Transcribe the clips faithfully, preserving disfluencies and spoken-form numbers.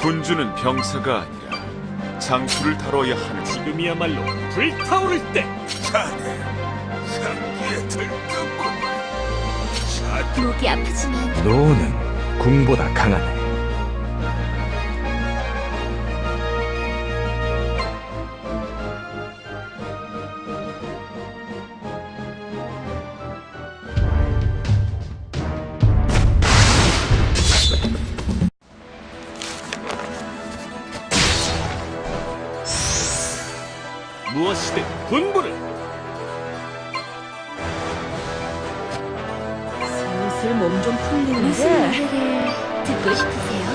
군주는 병사가 아니라 장수를 다뤄야 하는. 지금이야말로 불타오를 때. 자네 상기에 들떴구만. 목이 아프지만 노는 궁보다 강하네. 무엇이든 분부를. 슬슬 몸 좀 풀리는데 무슨 노래를 듣고 싶으세요?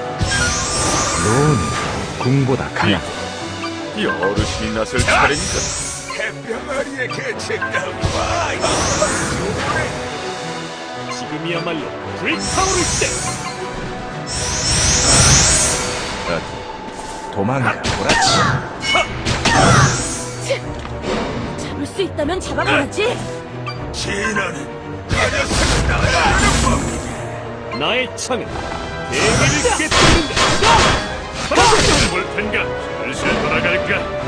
노는 궁보다 강하네. 이 어르신이 나설 차례니까. 해병아리의 개책당과 지금이야말로 불타오를 때. 도망가 보라치. 잡을 수 있다면 잡아봐야지. 진화는 가려서는 나가는 법이다. 나의 창은 대기를 깨뜨린다. 볼 텐가 슬슬 돌아갈까.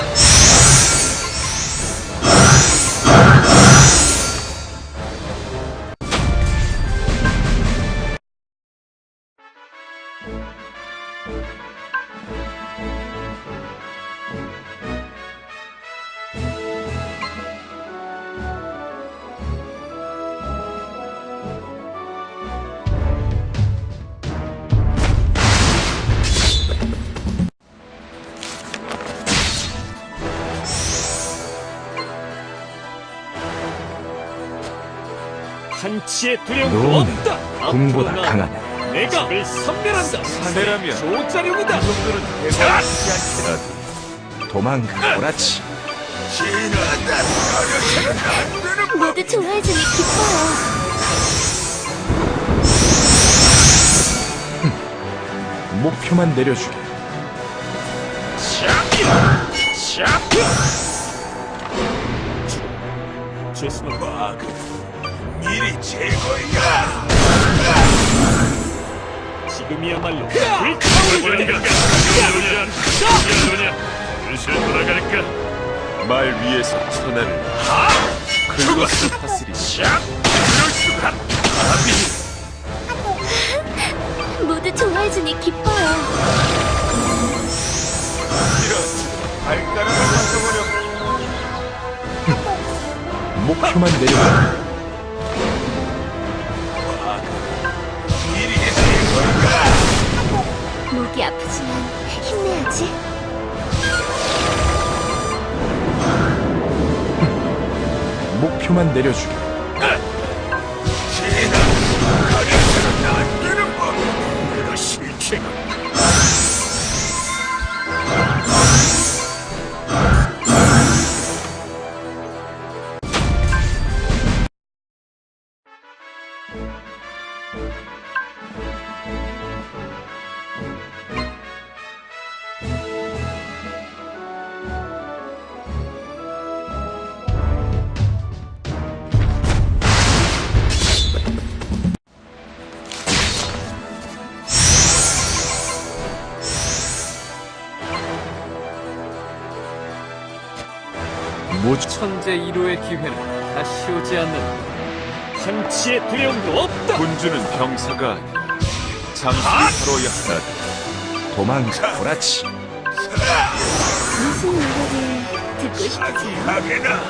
한치의 두려움도 노는 없다. 궁보다 앞으로 나 강하네. 내가 를 선멸한다. 사내라면 조자룡이다. 정도는 대단하지 않겠다. 도망가 보라치. 진화한다. 가려서는 안 되는 모두 좋아해주니 기뻐요. 목표만 내려주게. 죄송합니다. 마그 일이 최고야. 지금이야말로 불타오를 때. 슬슬 돌아갈까. 말 위에서 천하를 긁어서 다스리. 모두 좋아해주니 기뻐요. 이런 발가락을 가져버려. 목표만 내려주게. 일이 최고야. 목이 아프지만 힘내야지. 목표만 내려주게. 진화 가려서는 안 되는 법. 내가 실체가. 모조 천재 일 호의 기회는 다시 오지 않는다. 한치의 두려움도 없다. 군주는 병사가 아니라 장수를 다뤄야 한다. 도망가 보라치. 무슨 노래를 듣고 싶으세요? 하게나.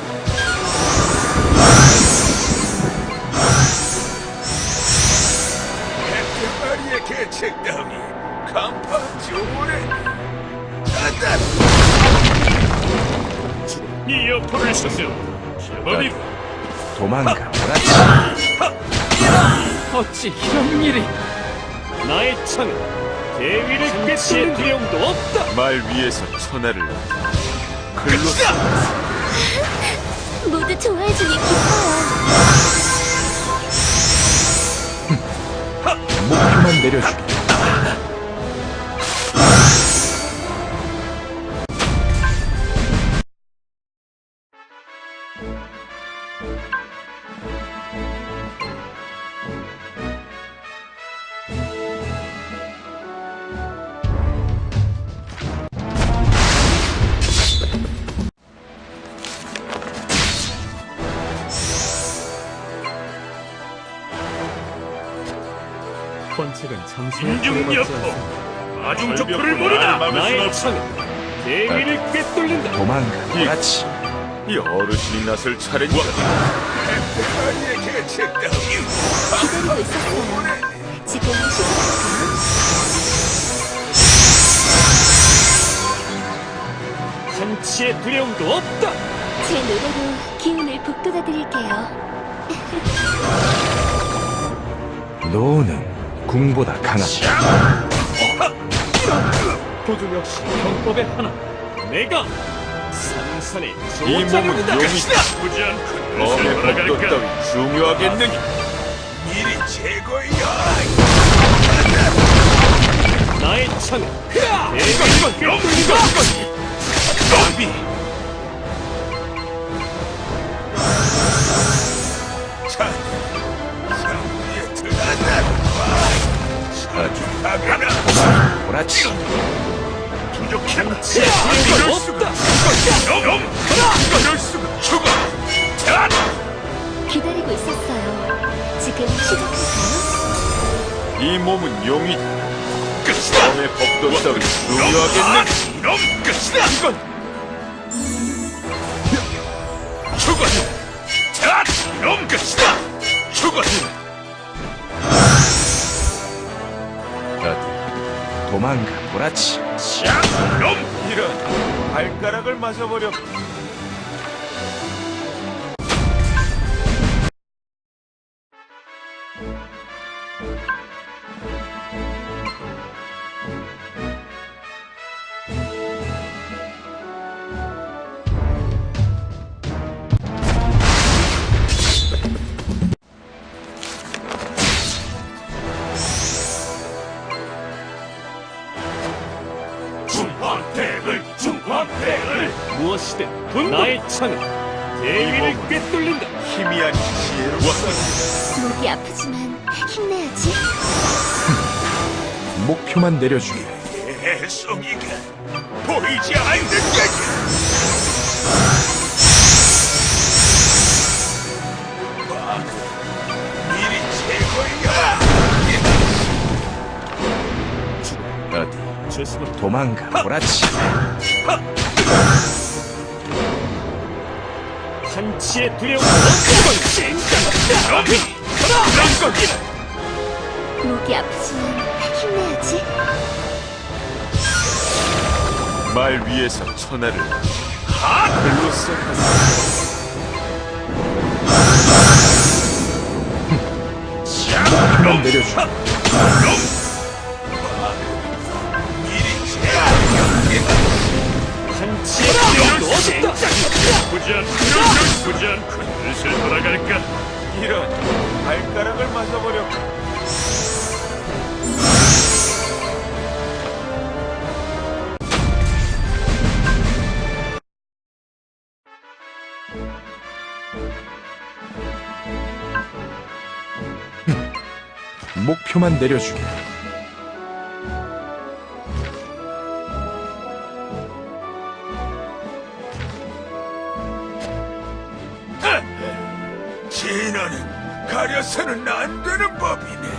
해병아리의 개책당이 간판 좋으네. 자단. 이 여포를 쓰세요. 제법이 도망가 보라치. 어찌 이런 일이. 나의 창은 대위를 깨치의 두려움도 없다. 말 위에서 천하를 글로 모두 좋아해주니 기뻐요. 목표만 내려주게. 책은 참새 인중여포 아중적포를 모르나. 나의 창은 대위를 꿰뚫는다. 도망가 보라치. 이 어르신이 나설 차례인가. 기다리고 있었어요. 지금 시작할까요? 한치의 두려움도 없다. 제 노래로 기운을 북돋아 드릴게요. 노는 궁보다 강하다. 도중 역시 병법의 하나. 내가 산산의 이 몸은 조자료다. 용이 나쁘지 않고 검의 법도 따위 중요하겠느냐. 일이 최고야. 나의 창은 대위를 꿰뚫는다. 너비. 자, 상위에 들어간다. 아주 다가나. 보라치. 부족한 한치의 두려움도 없다. 놈! 이럴 수가. 죽어. 자, 기다리고 있었어요. 지금 시작할까요? 이 몸은 용이 끝이다. 검의 법도 따위 중요하겠느냐. 이놈 끝이다. 이건 죽어. 자, 이놈 끝이다. 죽어. 어디 도망가 보라치. 자, 이놈. 이런 발가락을 맞아버려. 중화패를 중화패를 무엇이든 나의 창은 대위를 꿰뚫는다. 힘이 아닌 지혜로웠어. 목이 아프지만 힘내야지. 목표만 내려주게. 애송이가 보이지 않는 거지. 일이 최고야. 어디 죄수는 도망가 보라치. 한치의 두려움도 없다. 너비 그런 거기. 목이 아프지만 힘내야지. 말 위에서 천하를 하늘로 썩었어. 목표만 내려주게. 한치의 두려움도 없다. 나쁘지 않고 나쁘지 않고 슬슬 돌아갈까. 이런 발가락을 맞아버려. 목표만 내려주게. 진화는 가려서는 안 되는 법이네.